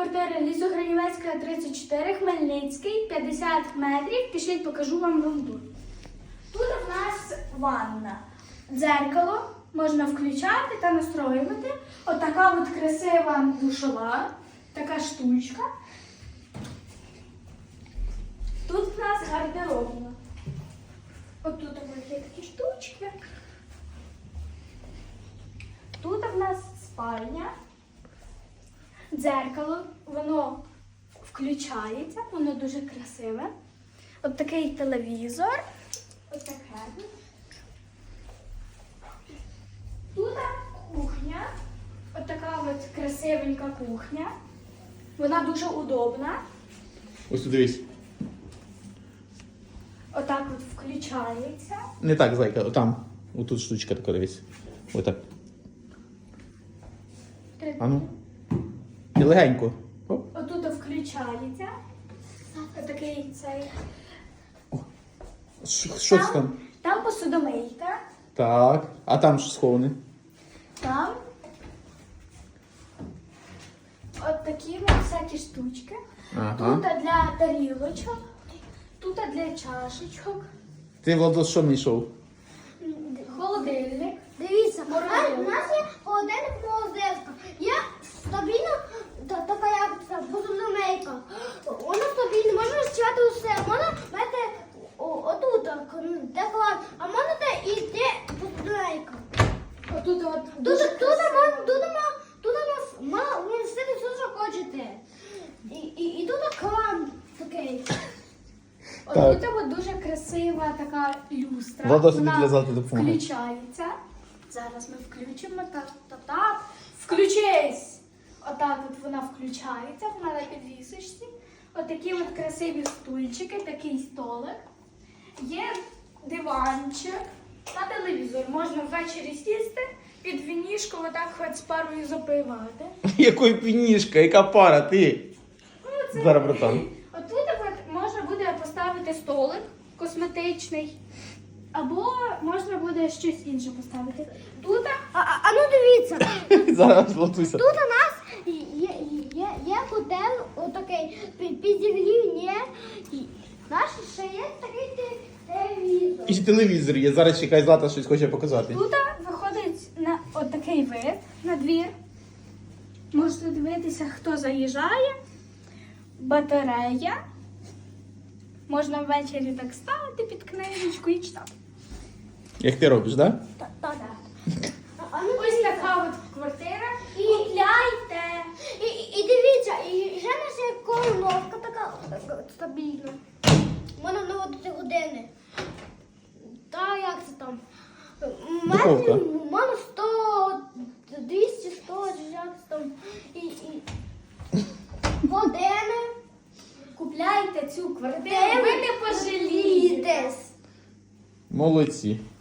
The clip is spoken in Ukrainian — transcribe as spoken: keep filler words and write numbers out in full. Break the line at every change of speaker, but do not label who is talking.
квартира Лісогранівецька, тридцять чотири, Хмельницький, п'ятдесят метрів. Пішліть, покажу вам рунду. Тут у нас ванна. Дзеркало можна включати та настроювати. Отака от красива душова, така штучка. Тут у нас гардеробна. От тут ось є такі штучки. Тут у нас спальня. Дзеркало, воно включається, воно дуже красиве. От такий телевізор. Ось таке. Тут кухня. От така от красивенька кухня. Вона дуже удобна.
Ось тут дивись.
Отак от включається.
Не так, зайка, отам. Отут штучка така, дивись. Отак. А ну. І легенько. Оп.
Отут включається. Отакий цей.
Що що це там?
Там посудомийка.
Так. А там що сховане?
Там. От такі от всякі штучки.
Ага.
Тут для тарілочок. Тут для чашечок.
Ти, Владос, що знайшов?
Холодильник.
Дивіться, а,
Морозилка.
у нас є холодильник морозилка. Є стабільна та- така як це, посудомийка. Вона стабільна, можна розчати усе. Можна мати о- отут, так, де клад, а можна де і де посудомийка.
Отут от
Тут,
дуже
тут, тут,
красиво.
ма- тут, ма- тут у нас мало, ви все, все, що хочете. І, і, і тут кран такий.
Отут от дуже красива така люстра.
Влада собі
Вона
для завтра допомагає.
включається. Зараз ми включимо. Так, так, так. Включись! Отак от вона включається, вона на підвісочці. Отакі от красиві стульчики, такий столик. Є диванчик та телевізор. Можна ввечері сісти, під вінішко отак хоч з парою запивати.
Якої пінішка, яка пара, ти?
Ну, це-
Зараз, братан.
Отут от можна буде поставити столик косметичний, або можна буде щось інше поставити. Тут
А, а, а ну дивіться,
Зараз, Владуся.
тут у нас є, є, є котел отакий, під, підігрів є. І наш ще є такий те- телевізор.
І телевізор є. Зараз чекай, Злата щось хоче показати.
Тут виходить на отакий вид на двір. Можете дивитися, хто заїжджає. Батарея. Можна ввечері так ставити під книжечку і читати.
Як ти робиш, так? Да?
Та- та- та. А, а ну
Ось така от квартира. Купляйте.
І, і, і дивіться, і ще в нас є колоновка така, така стабільна. Можна наводити години. Та як це там?
Духовка.
У мене сто, двісті, сто, чи як це там. І, і години.
Купляйте цю квартиру.
Де
Ви не пожалієте.
Десь.
Молодці.